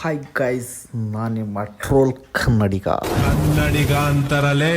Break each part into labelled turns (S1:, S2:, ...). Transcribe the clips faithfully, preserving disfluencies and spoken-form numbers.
S1: Hi guys, ನಾನು ನಿಮ್ಮ troll ಕನ್ನಡಿಗ
S2: ಕನ್ನಡಿಗ ಅಂತಾರಲೇ.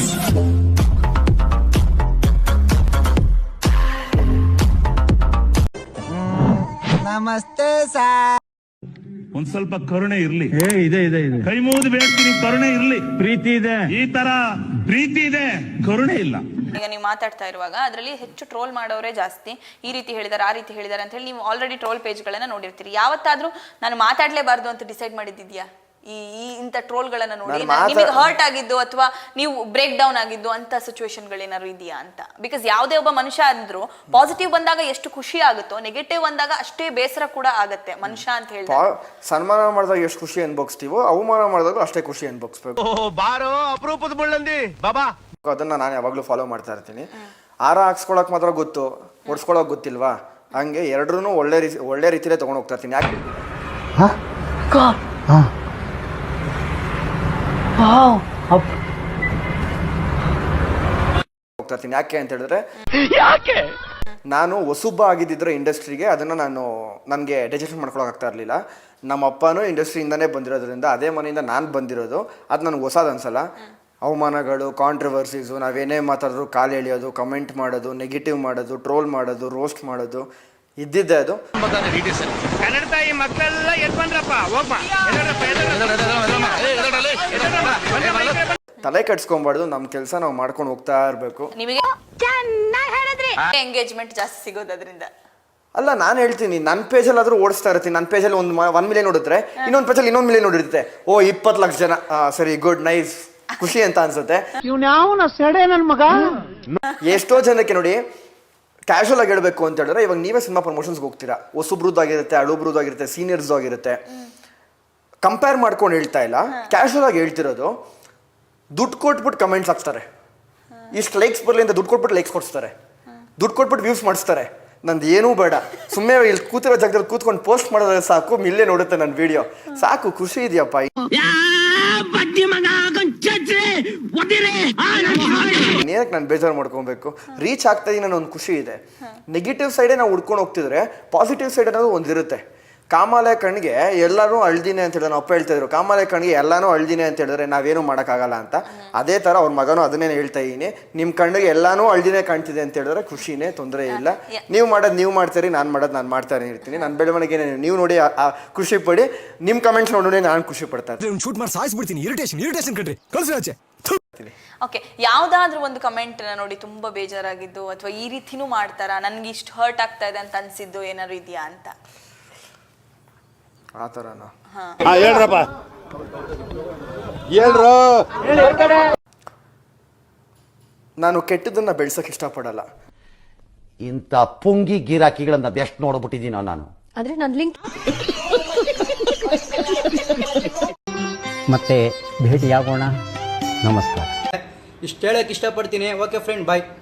S3: ನಮಸ್ತೆ ಸರ್.
S4: ಒಂದ್ ಸ್ವಲ್ಪ ಕರುಣೆ ಇರ್ಲಿ.
S5: ಏ ಇದೆ ಇದೆ ಇದೆ
S4: ಕೈ ಮುಗಿದು ಬೇಡ್ತೀನಿ, ಕರುಣೆ ಇರ್ಲಿ.
S5: ಪ್ರೀತಿ ಇದೆ,
S4: ಈ ತರ ಪ್ರೀತಿ ಇದೆ, ಕರುಣೆ ಇಲ್ಲ.
S6: ಈಗ ನೀವು ಮಾತಾಡ್ತಾ ಇರುವಾಗ ಅದರಲ್ಲಿ ಹೆಚ್ಚು ಟ್ರೋಲ್ ಮಾಡೋರೇ ಜಾಸ್ತಿ. ಈ ರೀತಿ ಹೇಳಿದಾರೆ, ಆ ರೀತಿ ಹೇಳಿದಾರೆ ಅಂತ ಹೇಳಿ ನೀವು ಆಲ್ರೆಡಿ ಟ್ರೋಲ್ ಪೇಜ್ಗಳನ್ನ ನೋಡಿರ್ತೀರಿ. ಯಾವತ್ತಾದ್ರೂ ನಾನು ಮಾತಾಡ್ಲೇಬಾರ್ದು ಅಂತ ಡಿಸೈಡ್ ಮಾಡಿದ್ಯಾ? ಈ ಈ ಇಂಥ ಟ್ರೋಲ್ಗಳನ್ನ ನೋಡಿ ನಿಮಗೆ ಹರ್ಟ್ ಆಗಿದ್ದು ಅಥವಾ ನೀವು ಬ್ರೇಕ್ ಡೌನ್ ಆಗಿದ್ದು ಅಂತ ಸಿಚುವೇಶನ್ಗಳೇನಾದ್ರು ಇದೆಯಾ ಅಂತ? ಬಿಕಾಸ್ ಯಾವುದೇ ಒಬ್ಬ ಮನುಷ್ಯ ಅಂದ್ರು ಪಾಸಿಟಿವ್ ಬಂದಾಗ ಎಷ್ಟು ಖುಷಿ ಆಗುತ್ತೋ, ನೆಗೆಟಿವ್ ಬಂದಾಗ ಅಷ್ಟೇ ಬೇಸರ ಕೂಡ ಆಗತ್ತೆ ಮನುಷ್ಯ ಅಂತ ಹೇಳಿ.
S7: ಸನ್ಮಾನ ಮಾಡಿದಾಗ ಎಷ್ಟು ಖುಷಿ ಅನ್ಭವಿಸ್ತೀವೋ, ಅವಮಾನ ಮಾಡಿದಾಗ ಅಷ್ಟೇ ಖುಷಿ ಅನ್ಭವಿಸ್ಬೇಕು.
S2: ಬಾರೋ ಅಪರೂಪದ ಮುಳ್ಳಂದಿ ಬಾಬಾ.
S7: ಅದನ್ನ ನಾನು ಯಾವಾಗ್ಲೂ ಫಾಲೋ ಮಾಡ್ತಾ ಇರ್ತೀನಿ. ಆರ ಹಾಕ್ಸ್ಕೊಳಕ್ ಮಾತ್ರ ಗೊತ್ತು, ಹೊಡ್ಸ್ಕೊಳಕ್ ಗೊತ್ತಿಲ್ವಾ? ಹಂಗೆ ಎರಡ್ರೂ ಒಳ್ಳೆ ರೀತಿ ಒಳ್ಳೆ ರೀತಿಲೇ ತಗೊಂಡು ಹೋಗ್ತಾ ಇರ್ತೀನಿ. ಯಾಕೆ ಹೋಗ್ತಾ ಇರ್ತೀನಿ ಯಾಕೆ ಅಂತ ಹೇಳಿದ್ರೆ,
S2: ಯಾಕೆ
S7: ನಾನು ಹೊಸುಬ್ಬ ಆಗಿದ್ದಿದ್ರೆ ಇಂಡಸ್ಟ್ರಿಗೆ ಅದನ್ನ ನಾನು ನನಗೆ ಡೈಜೆಷನ್ ಮಾಡ್ಕೊಳಕ್ ಆಗ್ತಾ ಇರಲಿಲ್ಲ. ನಮ್ಮ ಅಪ್ಪನೂ ಇಂಡಸ್ಟ್ರಿಯಿಂದನೇ ಬಂದಿರೋದ್ರಿಂದ, ಅದೇ ಮನೆಯಿಂದ ನಾನು ಬಂದಿರೋದು, ಅದು ನನಗೆ ಹೊಸದು ಅನ್ಸಲ್ಲ. ಅವಮಾನಗಳು, ಕಾಂಟ್ರವರ್ಸೀಸು, ನಾವೇನೇ ಮಾತಾಡಿದ್ರು ಕಾಲು ಎಳೆಯೋದು, ಕಮೆಂಟ್ ಮಾಡೋದು, ನೆಗೆಟಿವ್ ಮಾಡೋದು, ಟ್ರೋಲ್ ಮಾಡೋದು, ರೋಸ್ಟ್ ಮಾಡೋದು ಇದ್ದಿದ್ದೆ ಅದು.
S2: ಕನ್ನಡ ತಾಯಿ ಮಕ್ಕಳೆಲ್ಲ ಎದ್ ಬಂದ್ರಪ್ಪ, ಹೋಗ್ಬಾ.
S7: ತಲೆ ಕೆಡ್ಸ್ಕೊಂಬಾರ್ದು, ನಮ್ಮ ಕೆಲಸ ನಾವು ಮಾಡ್ಕೊಂಡು ಹೋಗ್ತಾ ಇರಬೇಕು.
S6: ನಿಮಗೆ ಎಂಗೇಜ್ಮೆಂಟ್ ಜಾಸ್ತಿ ಸಿಗೋದು ಅದರಿಂದ
S7: ಅಲ್ಲ, ನಾನು ಹೇಳ್ತೀನಿ, ನನ್ನ ಪೇಜಲ್ಲಾದ್ರೂ ಓಡಿಸ್ತಾ ಇರ್ತೀನಿ. ನನ್ನ ಪೇಜಲ್ಲಿ ಒಂದು ಒನ್ ಮಿಲಿಯನ್ ನೋಡಿದ್ರೆ ಇನ್ನೊಂದು ಪೇಜಲ್ಲಿ ಇನ್ನೊಂದು ಮಿಲಿಯನ್ ನೋಡಿರುತ್ತೆ. ಓ ಇಪ್ಪತ್ತು ಲಕ್ಷ ಜನ, ಸರಿ, ಗುಡ್, ನೈಸ್, ಖುಷಿ ಅಂತ ಅನ್ಸುತ್ತೆ. ಎಷ್ಟೋ ಜನಕ್ಕೆ ನೋಡಿ, ಕ್ಯಾಶುವಲ್ ಆಗಿ ಹೇಳ್ಬೇಕು ಅಂತ ಹೇಳಿದ್ರೆ, ಇವಾಗ ನೀವೇ ಸಿನಿಮಾ ಪ್ರಮೋಷನ್ಸ್ಗೆ ಹೋಗ್ತೀರಾ, ಹೊಸಬ್ರದ್ದಾಗಿರುತ್ತೆ, ಹಳುಬ್ರದ್ದಾಗಿರುತ್ತೆ, ಸೀನಿಯರ್ಸ್ ಆಗಿರುತ್ತೆ. ಕಂಪೇರ್ ಮಾಡ್ಕೊಂಡು ಹೇಳ್ತಾ ಇಲ್ಲ, ಕ್ಯಾಶುವಲ್ ಆಗಿ ಹೇಳ್ತಿರೋದು. ದುಡ್ಡು ಕೊಟ್ಬಿಟ್ಟು ಕಮೆಂಟ್ಸ್ ಹಾಕ್ತಾರೆ, ಇಷ್ಟು ಲೈಕ್ಸ್ ಬರಲಿ ಅಂತ ದುಡ್ಡು ಕೊಟ್ಬಿಟ್ಟು ಲೈಕ್ಸ್ ಕೊಡಿಸ್ತಾರೆ, ದುಡ್ಡು ಕೊಟ್ಬಿಟ್ಟು ವ್ಯೂಸ್ ಮಾಡಿಸ್ತಾರೆ. ನಂದು ಏನೂ ಬೇಡ, ಸುಮ್ಮನೆ ಇಲ್ಲಿ ಕೂತಿರೋ ಜಾಗದಲ್ಲಿ ಕೂತ್ಕೊಂಡು ಪೋಸ್ಟ್ ಮಾಡೋದ್ರೆ ಸಾಕು, ಮಿಲ್ಲೇ ನೋಡುತ್ತೆ ನನ್ನ ವಿಡಿಯೋ, ಸಾಕು, ಖುಷಿ ಇದೆಯಪ್ಪ. ಏನಕ್ಕೆ ನಾನು ಬೇಜಾರು ಮಾಡ್ಕೊಬೇಕು? ರೀಚ್ ಆಗ್ತಾ ಇದೀನಿ ಅನ್ನೋ ಒಂದು ಖುಷಿ ಇದೆ. ನೆಗೆಟಿವ್ ಸೈಡೇ ನಾವು ಹುಡ್ಕೊಂಡು ಹೋಗ್ತಿದ್ರೆ ಪಾಸಿಟಿವ್ ಸೈಡ್ ಅನ್ನೋದು ಒಂದಿರುತ್ತೆ. ಕಾಮಾಲೆ ಕಣ್ಣಿಗೆ ಎಲ್ಲರೂ ಅಳ್ದಿನೇ ಅಂತ ಹೇಳಿದ್ರೆ, ನಾವು ಅಪ್ಪ ಹೇಳ್ತಾ ಇದ್ರು, ಕಾಮಾಲೆ ಕಣ್ಣಿಗೆ ಎಲ್ಲಾನು ಅಳ್ದಿನೇ ಅಂತ ಹೇಳಿದ್ರೆ ನಾವೇನು ಮಾಡೋಕ್ಕಾಗಲ್ಲ ಅಂತ. ಅದೇ ಥರ ಅವ್ರ ಮಗನೂ ಅದನ್ನೇ ಹೇಳ್ತಾ ಇದ್ದೀನಿ, ನಿಮ್ಮ ಕಣ್ಣಿಗೆ ಎಲ್ಲಾನು ಅಳ್ದಿನೇ ಕಾಣ್ತಿದೆ ಅಂತ ಹೇಳಿದ್ರೆ ಖುಷಿನೇ, ತೊಂದರೆ ಇಲ್ಲ. ನೀವು ಮಾಡೋದು ನೀವು ಮಾಡ್ತೀರಿ, ನಾನು ಮಾಡೋದು ನಾನು ಮಾಡ್ತಾನೆ ಇರ್ತೀನಿ. ನನ್ನ ಬೆಳವಣಿಗೆ ನೀವು ನೋಡಿ ಖುಷಿ ಪಡಿ, ನಿಮ್ಮ ಕಮೆಂಟ್ಸ್ ನೋಡಿ ನಾನು ಖುಷಿ ಪಡ್ತಾ ಇರ್ತೀನಿ.
S8: ಶೂಟ್ ಮಾಡಿ ಸಾಯಿಸ್ಬಿಡ್ತೀನಿ. ಇರಿಟೇಷನ್ ಇರಿಟೇಷನ್ ಕಣ್ರಿ, ಕಳ್ಸಿ.
S6: ಓಕೆ, ಯಾವ್ದಾದ್ರೂ ಒಂದು ಕಮೆಂಟ್ ನೋಡಿ ತುಂಬಾ ಬೇಜಾರಾಗಿದ್ದು ಅಥವಾ ಈ ರೀತಿನೂ ಮಾಡ್ತಾರಾ, ನನ್ಗೆ ಇಷ್ಟು ಹರ್ಟ್ ಆಗ್ತಾ ಇದೆ ಅಂತ ಅನ್ಸಿದ್ದು ಏನಾದ್ರು ಇದೆಯಾ ಅಂತ?
S7: ಆ ಥರನಾ?
S2: ಹೇಳ್ರಪ್ಪ, ಹೇಳ್ರು.
S7: ನಾನು ಕೆಟ್ಟದನ್ನ ಬೆಳ್ಸಕ್ ಇಷ್ಟಪಡಲ್ಲ.
S9: ಇಂಥ ಪುಂಗಿ ಗಿರಾಕಿಗಳನ್ನ ಎಷ್ಟು ನೋಡ್ಬಿಟ್ಟಿದ್ದೀನೋ ನಾನು.
S10: ಆದ್ರೆ ನನ್ನ ಲಿಂಕ್
S3: ಮತ್ತೆ ಭೇಟಿಯಾಗೋಣ. ನಮಸ್ಕಾರ.
S11: ಇಷ್ಟು ಹೇಳಕ್ಕೆ ಇಷ್ಟಪಡ್ತೀನಿ. ಓಕೆ ಫ್ರೆಂಡ್, ಬಾಯ್.